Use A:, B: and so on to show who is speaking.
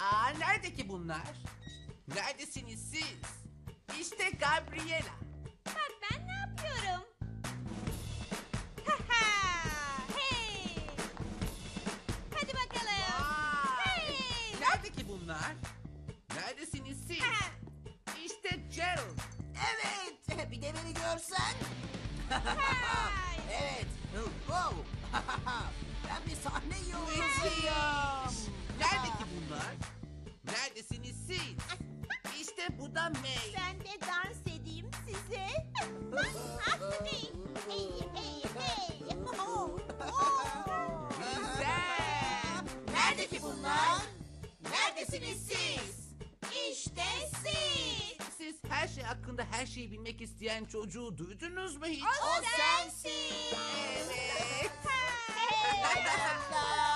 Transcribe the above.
A: Nerede ki bunlar? Neredesiniz siz? İşte Gabriela.
B: Bak ben ne yapıyorum? Ha ha! Hey! Hadi bakalım.
A: Vay!
B: Hey!
A: Nerede ki bunlar? Neredesiniz siz?
B: Ha!
A: İşte Gerald.
C: Evet, bir de beni görsen.
B: Hay!
C: Evet, wow. Ben bir sahne yolcusuyum.
A: Nerede ki bunlar? Neredesiniz siz? İşte bu da May.
B: Ben de dans edeyim size. Hey! Hey! Hey! Hey! Oh! Oh!
A: Güzel.
C: Nerede ki bunlar? Neredesiniz siz? İşte siz.
A: Siz her şey hakkında her şeyi bilmek isteyen çocuğu duydunuz mu hiç?
C: O sensin.
A: Evet.
B: Hey!